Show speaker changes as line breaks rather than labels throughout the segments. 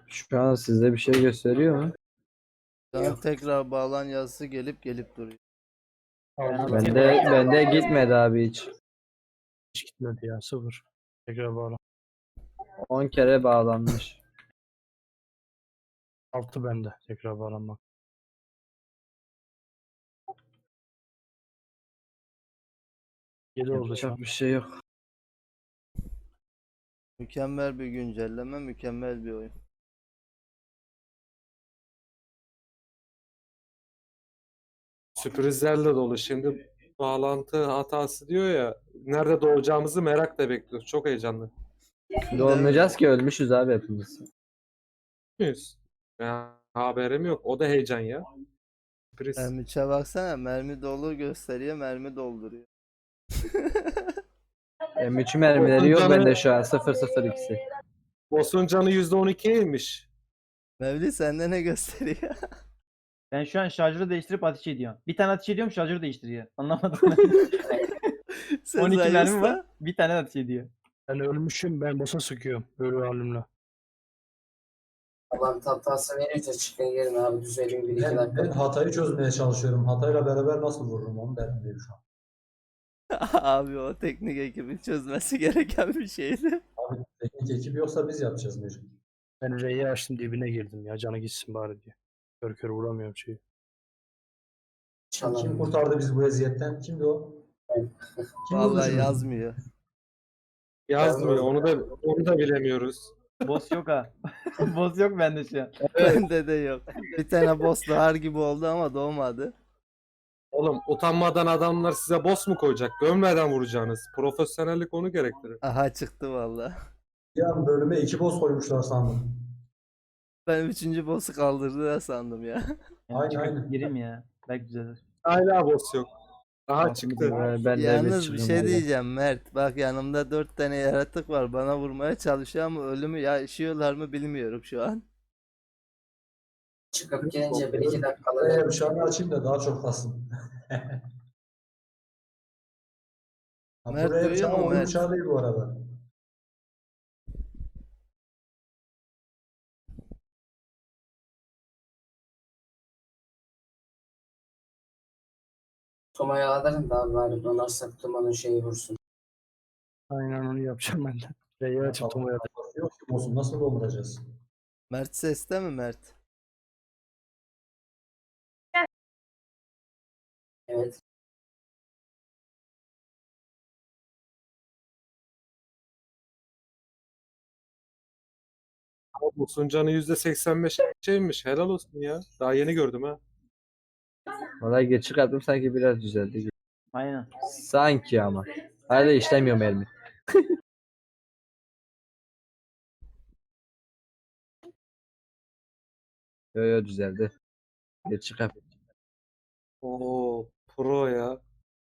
Şu an sizde bir şey gösteriyor mu?
Şu an tekrar bağlan yazısı gelip duruyor.
Bende gitmedi abi hiç.
Hiç gitmedi ya, sıfır. Tekrar bağla.
10 kere bağlanmış.
6 bende tekrar bağlanmak. Yedi oldu şu an.
Yapacak bir şey yok.
Mükemmel bir güncelleme, mükemmel bir oyun.
Sürprizlerle dolu. Şimdi bağlantı hatası diyor ya. Nerede doğacağımızı merakla bekliyoruz. Çok heyecanlı.
Doğmayacağız ki ölmüşüz abi hepimiz.
Muyuz? Ya, haberim yok. O da heyecan ya. Sürpriz.
M3'e baksana, mermi dolu gösteriyor, mermi dolduruyor.
M3 mermileri yok bende şu an 002'si.
Boss'un canı %12'ye inmiş.
Mevli sende ne gösteriyor?
Ben şu an şarjörü değiştirip ateş ediyorum. Bir tane ateş ediyorum, şarjörü değiştiriyor. Anlamadım ben. 12
Sezai
mermi var.
Usta.
Bir tane ateş ediyor.
Ben ölmüşüm, ben bossa sıkıyorum. Ölü halimle.
Allah'ın hatası verince çıkın gelin abi düzelim bir iki
Ben
dakika.
hatayı çözmeye çalışıyorum. Hatayla beraber nasıl vururum onu derdindeyim şu an.
Abi o teknik ekibin çözmesi gereken bir şeydi.
Abi teknik ekip yoksa biz yapacağız mecbur.
Ben R'yi açtım, dibine girdim ya, canı gitsin bari diye. Kör kör vuramıyorum şeyi.
Kim
Çalalım.
kurtardı bizi bu eziyetten? Kimdi o? Kim
Vallahi
öldürdü?
yazmıyor.
Yazmıyor. Onu da bilemiyoruz.
Boss yok ha. Boss yok bende şu an.
Bende de yok. Bir tane boss doğar gibi oldu ama doğmadı.
Oğlum utanmadan adamlar size boss mu koyacak? Gömmeden vuracaksınız. Profesyonellik onu gerektirir.
Aha çıktı vallahi.
Bir an bölüme 2 boss koymuşlar sandım.
Ben 3. boss'u kaldırdılar sandım ya.
Yani
Aynen,
çıkıp
aynen.
gireyim ya. Belki düzelir.
Hala boss yok. Daha çıktı.
Ben de
Yalnız bir
çıkın
şey
valla.
diyeceğim Mert. Bak yanımda 4 tane yaratık var. Bana vurmaya çalışıyor ama ölümü yaşıyorlar mı bilmiyorum şu an.
Çıkıp gelince bir iki
Eğer
dakikalar.
uşağını açayım da daha çok kalsın. Ha,
Mert
buraya
duyuyor mu
oyun
Mert?
uçağı değil bu arada.
Toma'ya alırım da abi bari donarsak Toma'nın şeyi vursun.
Aynen onu yapacağım ben de. R'yi açıp Toma'ya
Yok ki boss'u nasıl dolduracağız?
Mert seste mi Mert?
Evet.
Ama boss'un canı %85 şeymiş. Helal olsun ya. Daha yeni gördüm ha.
Valla geç çıkarttım sanki biraz düzeldi gibi.
Aynen.
Sanki ama. Hala işlemiyor mermi. Yo düzeldi. Geç çıkart.
Oo, pro ya.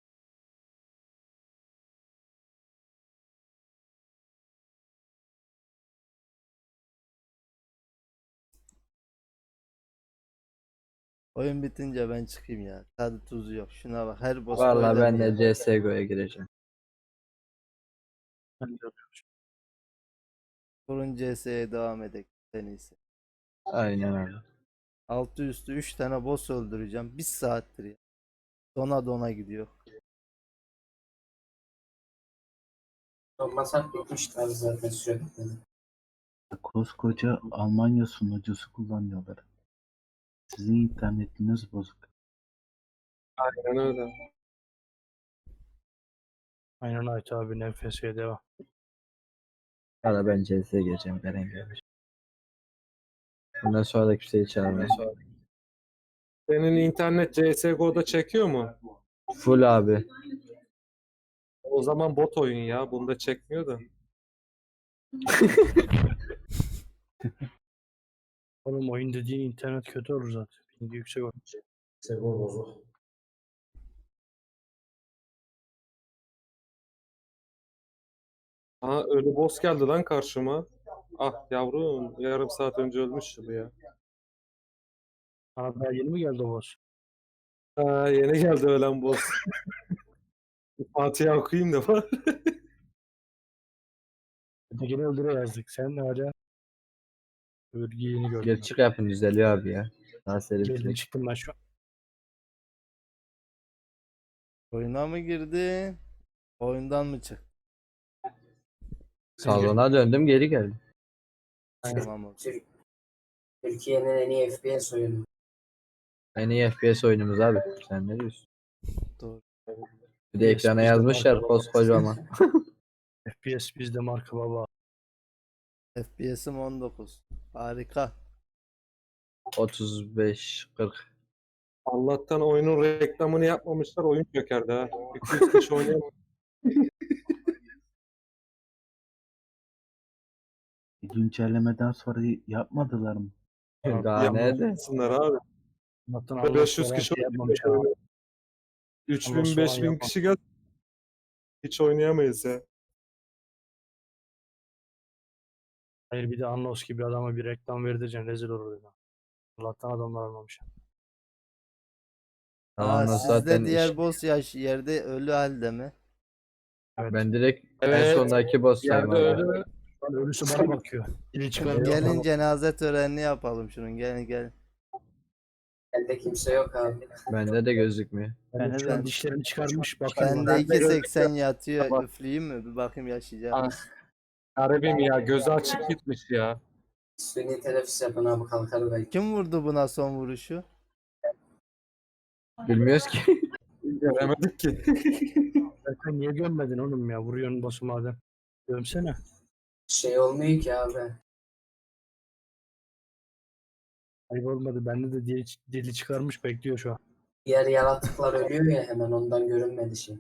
Oyun bitince ben çıkayım ya. Tadı tuzu yok. Şuna bak her boss
Valla
böyle
ben
mi
de
ya?
CSGO'ya gireceğim.
ben de yapıyorum.
Kurun CS'ye devam edek en iyisi.
Aynen öyle.
Altı üstü 3 tane boss öldüreceğim. 1 saattir ya. Dona gidiyor.
Donmasak bitmişler zaten sürekli.
Koskoca Almanya sunucusu kullanıyorlar. Sizin internetiniz bozuk.
Aynen öyle.
Aynen Ait abi, NFS'ye devam.
Valla ben CS'ye gireceğim. Eren gelmiş. Bundan sonra da kimseyi çağırmam.
Senin internet CSGO'da çekiyor mu?
Full abi.
O zaman bot oyun ya. Bunda çekmiyor da.
Oğlum oyun dediğin internet kötü olur zaten. Pingi yüksek olur.
Sego bozuk.
Aha ölü boss geldi lan karşıma. Ah yavrum yarım saat önce ölmüştü bu ya.
Aa, daha yeni mi geldi o boss?
Ha, yeni geldi ölen boss. Fatiha okuyayım da var.
Ötekini öldüre yazdık. Sen ne hala? Örgü yeni gördüm.
Geri çık yapın düzeliyor abi ya. Daha seri
Geldim
bitirecek.
çıktım ben şu an.
Oyuna mı girdi? Oyundan mı çıktı?
Salona döndüm geri geldim.
Tamam o.
Türkiye'nin en iyi FPS oyunu.
En iyi FPS oyunumuz abi. Sen ne diyorsun?
Doğru.
Bir de ekrana
bizde
yazmışlar
marka var.
koskocaman.
FPS bizde marka baba.
FPS'im 19. Harika.
35-40.
Allah'tan oyunun reklamını yapmamışlar. Oyun çökerdi ha. 200 kişi oynayamıyor.
Güncellemeden sonra yapmadılar mı?
Daha nerede?
Yapmasınlar abi.
Allah'tan
Ve
Allah
500
falan
kişi
şey
oynayamıyor.
yapmamış ha.
3000
Allah soğan
5000
yapma.
kişi gel. Hiç oynayamayız ya.
Hayır bir de Anlos gibi adama bir reklam verdireceksin rezil olur dedi. Allah'tan adamlar almamış.
Tamam
Sizde
zaten
diğer boss yerde ölü halde mi?
Evet.
ben direkt en
Evet.
sondaki boss'tayım
Yerde
abi.
öyle
Lan ölüsü bana bakıyor. Dili çıkarmıyor.
Gelin cenaze törenini yapalım şunun. Gelin gelin.
Bende kimse yok abi.
Bende de gözükmüyor.
Ben
de-
de dişlerini çıkarmış bakıyor
Bende
bana.
2.80 yatıyor.
Bak.
Üfleyeyim mi? Bir bakayım yaşayacağım.
Ah. Garibim ya, gözü açık gitmiş ya.
Suni teneffüs yapın abi, kalkar belki.
Kim vurdu buna son vuruşu?
Bilmiyoruz ki.
Göremedik ki.
Sen niye gömmedin oğlum ya? Vuruyorsun boss'u madem. Gömsene.
Şey olmuyor ki abi.
Ayıp olmadı. Bende de dili çıkarmış bekliyor şu an.
Diğer yaratıklar ölüyor ya hemen, ondan görünmedi şey.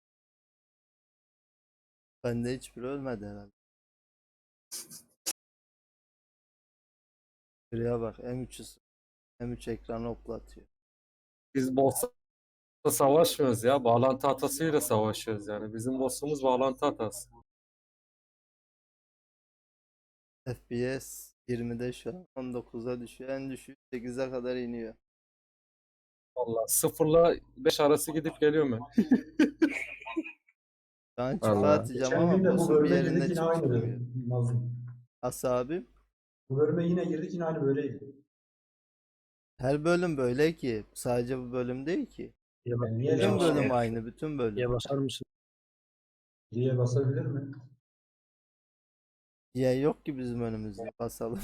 Bende hiçbiri ölmedi herhalde. Şuraya bak M3 ekranı oklatıyor.
Biz boss'la savaşmıyoruz ya. Bağlantı hatasıyla savaşıyoruz yani. Bizim boss'umuz bağlantı hatası.
FPS 20'de şu an 19'a düşüyor. En düşüğü 8'e kadar iniyor.
Vallahi 0'la 5 arası gidip geliyorum ben.
Şu an
Allah.
çıpa atacağım
Geçen
ama
gün de bu
boss'un bir
bölüme
yerinde
girdik yine aynı
çıkmıyor.
dedim. Nazım.
Asa abi.
Bu bölüme yine girdik yine aynı böyleydi.
Her bölüm böyle ki. Sadece bu bölüm değil ki.
Diye,
Yani niye
Bütün
yanlış
bölüm
yaptın?
aynı. Bütün bölüm.
diye basar mısın?
Diye basabilir mi?
Ya yok ki bizim önümüzde. Basalım.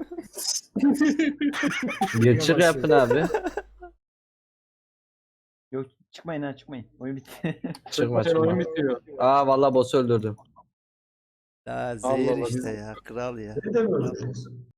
Geri çık yapın abi.
Yok çıkmayın ha çıkmayın. Oyun bitti.
Çıkma
Sen oyun
çıkma.
bitiyor.
Aa vallahi boss'u öldürdüm.
Ya
Allah
zehir
Allah,
işte
biz-
ya. Kral ya.
Beni de mi öldüreceksin?